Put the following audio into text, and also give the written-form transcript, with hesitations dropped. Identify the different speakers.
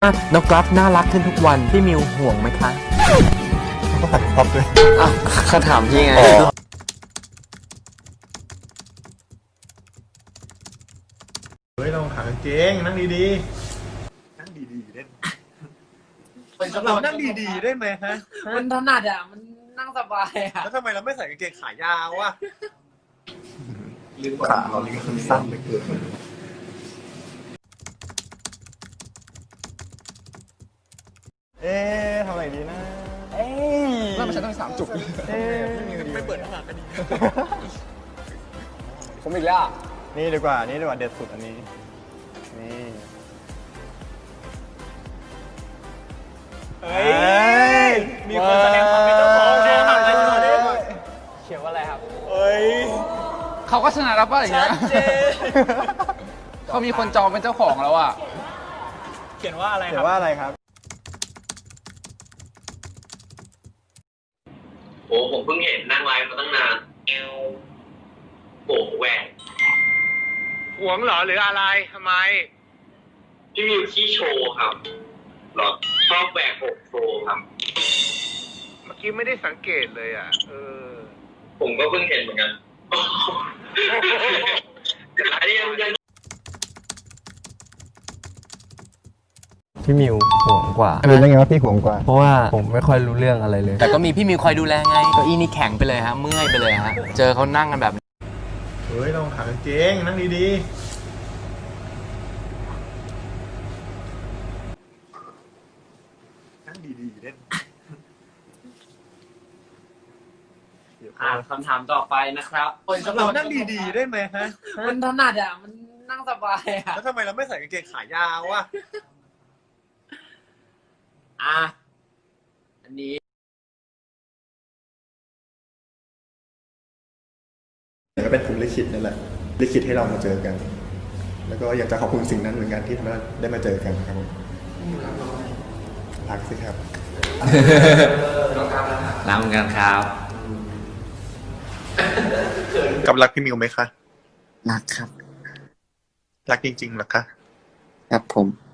Speaker 1: น้องกราฟน่ารักขึ้นทุกวันพี่มิวห่วงไหมคะ
Speaker 2: ก็ตัดครอบด้วย
Speaker 1: อ้าวเขาถามพี่ไง
Speaker 2: เฮ้ยเราหากางเกงนั่งดีๆนั่งดีๆได้เรานั่งดีๆได้ไหมฮะ
Speaker 3: มันถนัดอ่ะมันนั่งสบายอ่ะ
Speaker 2: แล้วทำไมเราไม่ใส่กางเกงขายาวอ่ะขาเราลิ้นสั้นเหลือเกินทำอะไรดีนะ
Speaker 4: แล้วมันใช้ต้อง3 จุก
Speaker 2: ไม่เปิดหน้ากันดี
Speaker 4: ผมอีกแล้ว
Speaker 2: นี่ดีกว่าเด็ดสุดอันนี้นี่เฮ้ยมีคนแสดงความเป็นเจ้าของแน่นอนเลย
Speaker 4: เขียนว่าอะไรครับ
Speaker 2: เฮ้ย
Speaker 4: เขาก็ชนะแล้วป่ะอย่างเงี้ยเขามีคนจองเป็นเจ้าของแล้วอ่ะ
Speaker 2: เขียนว่าอะไรครับ
Speaker 5: โอ้ผมเพิ่งเห็นนั่งไลฟ์มาตั้งนานโอ้แหวก
Speaker 2: หวงเหรอหรืออะไรทำไม
Speaker 5: พี่มิวขี้โชว์ครับหรอชอบแหวกอกโชว์ครับ
Speaker 2: เมื่อกี้ไม่ได้สังเกตเลยอ่ะ
Speaker 5: ผมก็เพิ่งเห็นเหมือนกันแต่อันนี้ยัง
Speaker 1: พี่มิวห่วงกว่า
Speaker 2: รู้ได้ไงว่าพี่ห่วงกว่า
Speaker 1: เพราะว่าผมไม่ค่อยรู้เรื่องอะไรเลยแต่ก็มีพี่มิวคอยดูแลไงเก้าอี้นี่แข็งไปเลยฮะเมื่อยไปเลยฮะเจอเขานั่งกันแบบ
Speaker 2: เฮ้ยเราหากางเกงนั่งดีๆนั่งดีๆเล่น
Speaker 3: คำถามต่อไปนะครับ
Speaker 2: เรานั่งดีๆได้ไหมฮะ
Speaker 3: มันถนัดอ่ะมันนั่งสบายอ่ะ
Speaker 2: แล้วทำไมเราไม่ใส่กางเกงขายาวอ่ะ
Speaker 3: อันนี้
Speaker 2: ก็เป็นภูมิลิขิตนั่นแหละลิขิตให้เรามาเจอกัน แล้วก็อยากจะขอบคุณสิ่งนั้นเหมือนกันที่ทำให้ได้มาเจอกันครับรักสิครับ
Speaker 1: รักเหมือนกันครับ
Speaker 2: กับรักพี่มิวไหมคะ
Speaker 1: รักครับ
Speaker 2: รักจริงๆหรอคะ
Speaker 1: ครับผม